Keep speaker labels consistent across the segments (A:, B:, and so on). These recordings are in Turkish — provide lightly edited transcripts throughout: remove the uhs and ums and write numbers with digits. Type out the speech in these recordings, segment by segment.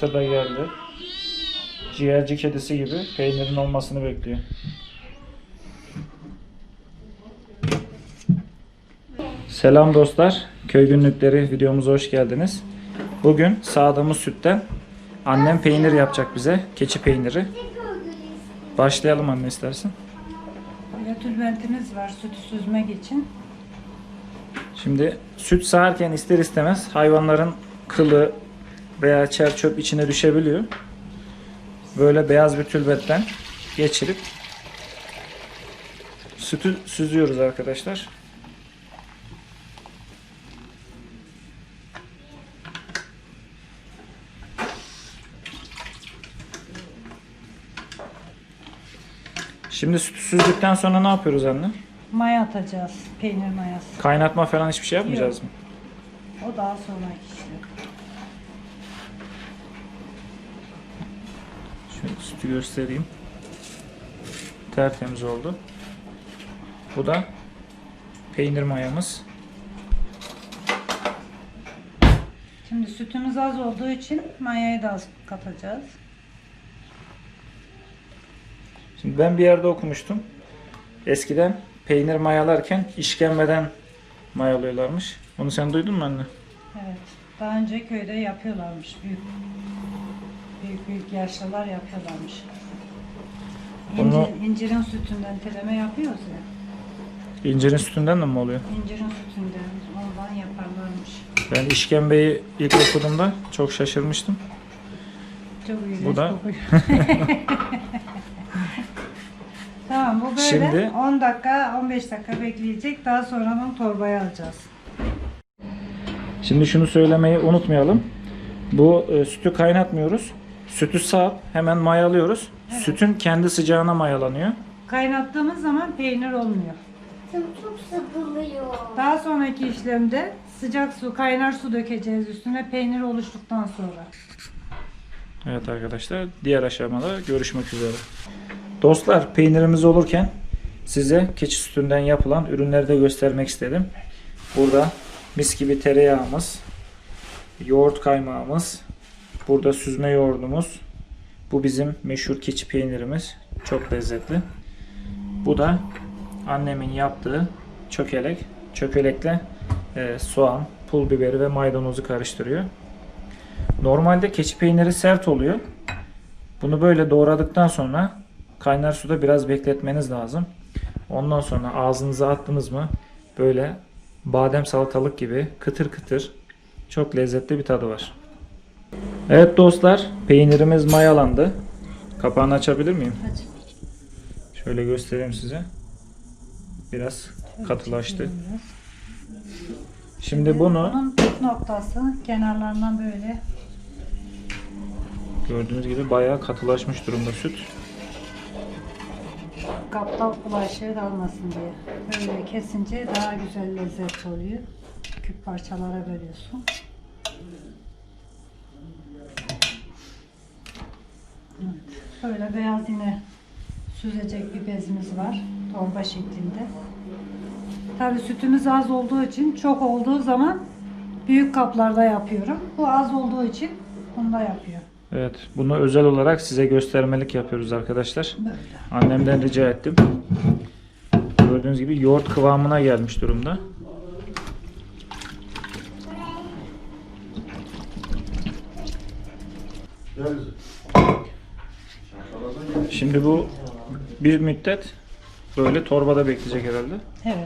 A: Enişte de geldi. Ciğerci kedisi gibi peynirin olmasını bekliyor. Selam dostlar. Köy günlükleri videomuza hoş geldiniz. Bugün sağdığımız sütten annem peynir yapacak bize. Keçi peyniri. Başlayalım anne istersen.
B: Böyle tülbentimiz var sütü süzmek için.
A: Şimdi süt sağarken ister istemez hayvanların kılı veya çer çöp içine düşebiliyor. Böyle beyaz bir tülbentten geçirip sütü süzüyoruz arkadaşlar. Şimdi sütü süzdükten sonra ne yapıyoruz anne?
B: Maya atacağız. Peynir mayası.
A: Kaynatma falan hiçbir şey yapmayacağız mı?
B: O daha sonraki işlem.
A: Şöyle sütü göstereyim. Tertemiz oldu. Bu da peynir mayamız.
B: Şimdi sütümüz az olduğu için mayayı da az katacağız.
A: Şimdi ben bir yerde okumuştum. Eskiden peynir mayalarken işkembeden mayalıyorlarmış. Onu sen duydun mu anne?
B: Evet. Daha önce köyde yapıyorlarmış. Büyük yaşlılar yapıyorlarmış.
A: Onu-
B: İncirin sütünden teleme yapıyoruz ya.
A: İncirin sütünden de mi oluyor?
B: İncirin sütünden ondan yaparlarmış.
A: Ben işkembeyi ilk okuduğumda çok şaşırmıştım.
B: Çok iğrenç
A: Bu da-
B: kokuyor. Tamam bu böyle
A: Şimdi-
B: 10 dakika 15 dakika bekleyecek. Daha sonra bunu torbaya alacağız.
A: Şimdi şunu söylemeyi unutmayalım. Bu sütü kaynatmıyoruz. Sütü sağıp hemen mayalıyoruz.
B: Evet.
A: Sütün kendi sıcağına mayalanıyor.
B: Kaynattığımız zaman peynir olmuyor.
C: Çok sıkılıyor.
B: Daha sonraki işlemde sıcak su, kaynar su dökeceğiz üstüne peynir oluştuktan sonra.
A: Evet arkadaşlar, diğer aşamada görüşmek üzere. Dostlar, peynirimiz olurken size keçi sütünden yapılan ürünleri de göstermek istedim. Burada mis gibi tereyağımız, yoğurt kaymağımız, burada süzme yoğurdumuz. Bu bizim meşhur keçi peynirimiz. Çok lezzetli. Bu da annemin yaptığı çökelek. Çökelekle soğan, pul biberi ve maydanozu karıştırıyor. Normalde keçi peyniri sert oluyor. Bunu böyle doğradıktan sonra kaynar suda biraz bekletmeniz lazım. Ondan sonra ağzınıza attınız mı böyle badem salatalık gibi kıtır kıtır çok lezzetli bir tadı var. Evet dostlar, peynirimiz mayalandı. Kapağını açabilir miyim?
B: Hadi.
A: Şöyle göstereyim size. Biraz katılaştı. Şimdi bunu
B: Bunun püf noktası kenarlarından böyle
A: gördüğünüz gibi bayağı katılaşmış durumda süt.
B: kapta bulaşığı dalmasın diye. Böyle kesince daha güzel lezzet oluyor. Küp parçalara bölüyorsun. Evet. Böyle beyaz yine süzecek bir bezimiz var. Torba şeklinde. Tabii sütümüz az olduğu için çok olduğu zaman büyük kaplarda yapıyorum. Bu az olduğu için bunda yapıyor.
A: Evet, bunu özel olarak size göstermelik yapıyoruz arkadaşlar.
B: Böyle.
A: Annemden rica ettim. Gördüğünüz gibi yoğurt kıvamına gelmiş durumda. Şimdi bu bir müddet böyle torbada bekleyecek herhalde.
B: Evet.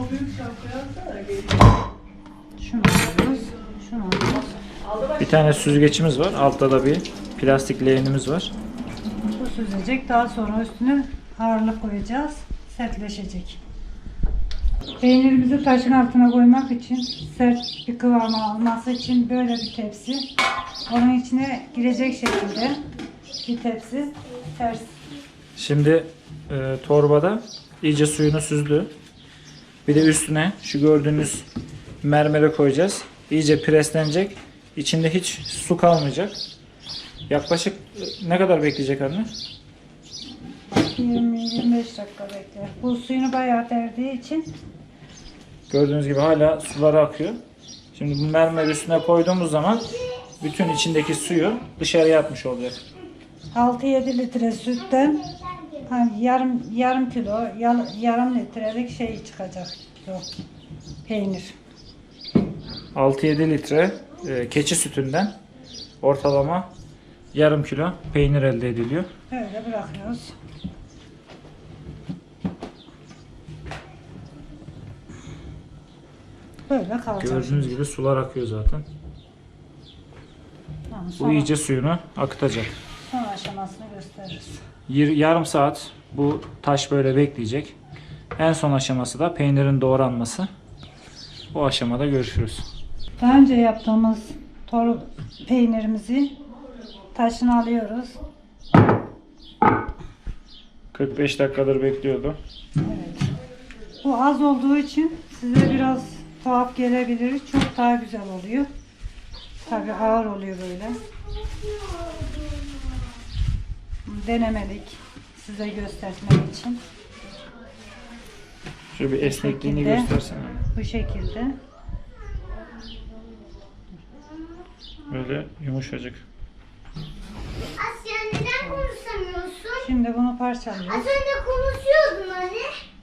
B: Şunu alıyoruz. Şunu alıyoruz.
A: Bir tane süzgeçimiz var. Altta da bir plastik leğenimiz var.
B: Bu süzecek. Daha sonra üstüne ağırlık koyacağız. Sertleşecek. Peynirimizi taşın altına koymak için sert bir kıvama alması için böyle bir tepsi. Onun içine girecek şekilde bir tepsi ters.
A: Şimdi torbada iyice suyunu süzdü. Bir de üstüne şu gördüğünüz mermere koyacağız. İyice preslenecek. İçinde hiç su kalmayacak. Yaklaşık ne kadar bekleyecek anne?
B: 20-25 dakika bekler. Bu suyunu bayağı verdiği için
A: Gördüğünüz gibi hala suları akıyor. Şimdi bu mermeri üstüne koyduğumuz zaman bütün içindeki suyu dışarıya atmış olacak.
B: 6-7 litre sütten hani yarım kilo, yarım litrelik şey çıkacak o peynir.
A: 6-7 litre keçi sütünden ortalama yarım kilo peynir elde ediliyor.
B: Böyle bırakıyoruz. Böyle kalacak.
A: Gördüğünüz gibi sular akıyor zaten.
B: Tamam,
A: Bu
B: sonra,
A: iyice suyunu akıtacak.
B: son aşamasını gösteririz.
A: Yarım saat bu taş böyle bekleyecek. En son aşaması da peynirin doğranması. Bu aşamada görüşürüz.
B: Daha önce yaptığımız peynirimizi taşını alıyoruz.
A: 45 dakikadır bekliyordu.
B: Evet. Bu az olduğu için size biraz tuhaf gelebilir. Çok daha güzel oluyor. Tabii ağır oluyor böyle. Denemelik. Size göstermek için.
A: Şöyle bir esnekliğini
B: şekilde.
A: göstersene.
B: Bu şekilde.
A: Böyle yumuşacık.
C: Asya neden konuşamıyorsun?
B: Şimdi bunu parçalıyoruz.
C: Az önce konuşuyordun hani.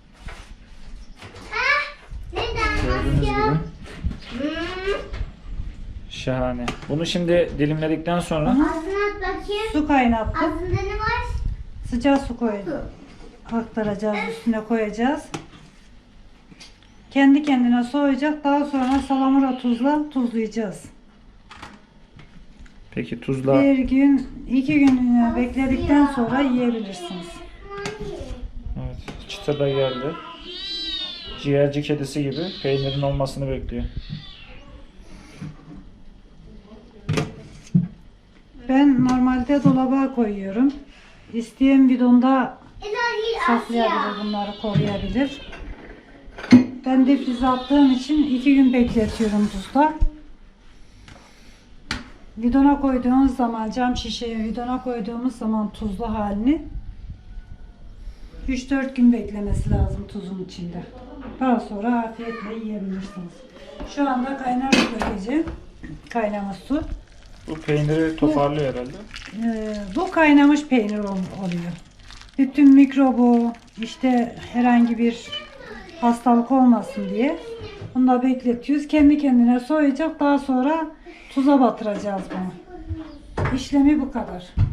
C: Ha? Neden
A: Gördüğünüz
C: Asya?
A: gibi.
C: Hmm.
A: Şahane. Bunu şimdi dilimledikten sonra
C: Ağzına at bakayım.
B: Su kaynattık.
C: Ağzında ne var?
B: Sıcak su koyduk. Aktaracağız, üstüne koyacağız. Kendi kendine soğuyacak. Daha sonra salamura tuzla tuzlayacağız.
A: peki tuzla
B: Bir gün, 2 gün bekledikten sonra yiyebilirsiniz.
A: evet, çıtır da geldi. Ciğerci kedisi gibi peynirin olmasını bekliyor.
B: Ben normalde dolaba koyuyorum. İsteyen bidonda
C: İlahi
B: saklayabilir,
C: Asya.
B: bunları koruyabilir. Ben difrize attığım için 2 gün bekletiyorum tuzla. Bidona koyduğumuz zaman, cam şişeye bidona koyduğumuz zaman tuzlu halini 3-4 gün beklemesi lazım tuzun içinde. Daha sonra afiyetle yiyebilirsiniz. Şu anda kaynar su dökeceğim. Kaynamış su.
A: Bu peyniri toparlıyor herhalde.
B: Bu kaynamış peynir oluyor. Bütün mikrobu, işte herhangi bir hastalık olmasın diye bunu da bekletiyoruz. Kendi kendine soğuyacak. Daha sonra tuza batıracağız bunu. İşlemi bu kadar.